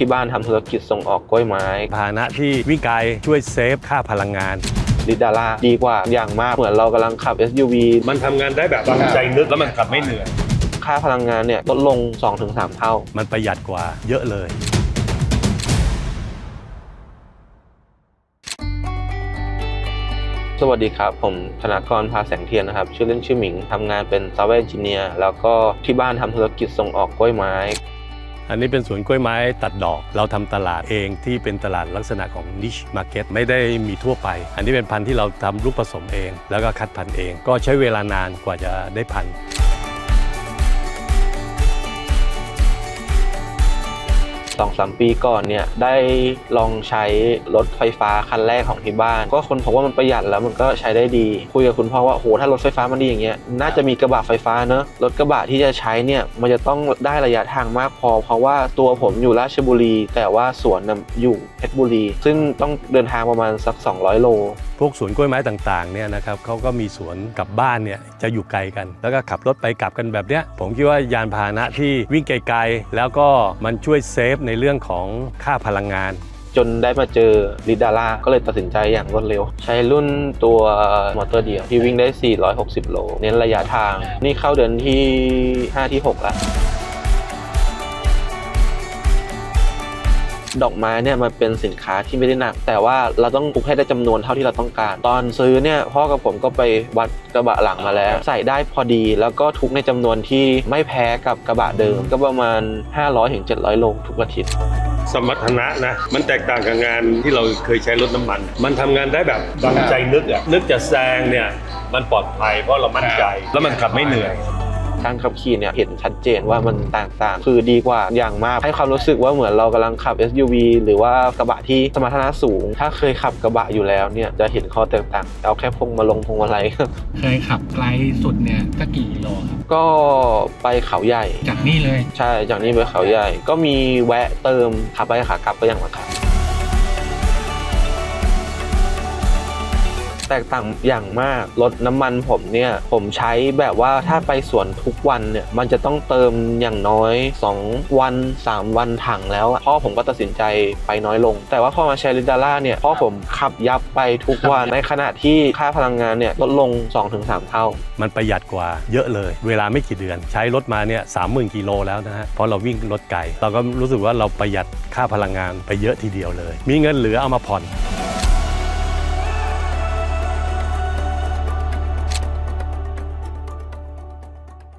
ที่บ้านทำธุรกิจส่งออกกล้วยไม้พาหนะที่วิ่งไกลช่วยเซฟค่าพลังงานลิดาร่าดีกว่าอย่างมากเหมือนเรากำลังขับ SUV มันทำงานได้แบบใจนึกแล้วมันขับไม่เหนื่อยค่าพลังงานเนี่ยลดลง 2-3 เท่ามันประหยัดกว่าเยอะเลยสวัสดีครับผมธนากรพาแสงเทียนนะครับชื่อเล่นชื่อหมิงทำงานเป็นซอฟต์แวร์เอนจิเนียร์แล้วก็ที่บ้านทำธุรกิจส่งออกกล้วยไม้อันนี้เป็นสวนกล้วยไม้ตัดดอกเราทำตลาดเองที่เป็นตลาดลักษณะของ niche market ไม่ได้มีทั่วไปอันนี้เป็นพันธุ์ที่เราทำลูกผสมเองแล้วก็คัดพันธุ์เองก็ใช้เวลานานกว่าจะได้พันธุ์ 2-3 ปีก่อนเนี่ยได้ลองใช้รถไฟฟ้าคันแรกของที่บ้านก็คนพบว่ามันประหยัดแล้วมันก็ใช้ได้ดีคุยกับคุณพ่อว่าโหถ้ารถไฟฟ้ามันดีอย่างเงี้ยน่าจะมีกระบะไฟฟ้าเนอะรถกระบะที่จะใช้เนี่ยมันจะต้องได้ระยะทางมากพอเพราะว่าตัวผมอยู่ราชบุรีแต่ว่าสวนอยู่เพชรบุรีซึ่งต้องเดินทางประมาณสัก200 โลพวกสวนกล้วยไม้ต่างๆเนี่ยนะครับเขาก็มีสวนกับบ้านเนี่ยจะอยู่ไกลกันแล้วก็ขับรถไปกลับกันแบบเนี้ยผมคิดว่ายานพาหนะที่วิ่งไกลๆแล้วก็มันช่วยเซฟในเรื่องของค่าพลังงานจนได้มาเจอลิดาร่าก็เลยตัดสินใจอย่างรวดเร็วใช้รุ่นตัวมอเตอร์เดียวที่วิ่งได้460 โลเน้นระยะทางนี่เข้าเดือนที่5 ที่ 6แล้วดอกไม้เนี่ยมันเป็นสินค้าที่ไม่ได้หนักแต่ว่าเราต้องปลูกให้ได้จำนวนเท่าที่เราต้องการตอนซื้อเนี่ยพ่อกับผมก็ไปวัดกระบะหลังมาแล้วใส่ได้พอดีแล้วก็ทุกในจำนวนที่ไม่แพ้กับกระบะเดิมก็ประมาณ 500-700 โลทุกอาทิตย์สมรรถนะนะมันแตกต่างกับงานที่เราเคยใช้รถน้ำมันทำงานได้แบบใจนึกจะแซงเนี่ยมันปลอดภัยเพราะเรามั่นใจแล้วมันขับไม่เหนื่อยการขับขี่เนี่ยเห็นชัดเจนว่ามันแตกต่างคือดีกว่าอย่างมากให้ความรู้สึกว่าเหมือนเรากำลังขับ SUV หรือว่ากระบะที่สมรรถนะสูงถ้าเคยขับกระบะอยู่แล้วเนี่ยจะเห็นข้อแตกต่างเอาแค่พวงมาลัยเคยขับไกลสุดเนี่ยก็กี่กิโลครับก็ไปเขาใหญ่จากนี่เลยใช่จากนี่ไปเขาใหญ่ก็มีแวะเติมขับไปขากลับก็ยังมาขับแตกต่างอย่างมากรถน้ำมันผมเนี่ยผมใช้แบบว่าถ้าไปสวนทุกวันเนี่ยมันจะต้องเติมอย่างน้อย2 วัน 3 วันถังแล้วพ่อผมก็ตัดสินใจไปน้อยลงแต่ว่าพอมาใช้ลิดาร่าเนี่ยพ่อผมขับยับไปทุกวันในขณะที่ค่าพลังงานเนี่ยลดลง 2-3 เท่ามันประหยัดกว่าเยอะเลยเวลาไม่กี่เดือนใช้รถมาเนี่ย 30,000 กิโลแล้วนะฮะเพราะเราวิ่งรถไกลเราก็รู้สึกว่าเราประหยัดค่าพลังงานไปเยอะทีเดียวเลยมีเงินเหลือเอามาผ่อน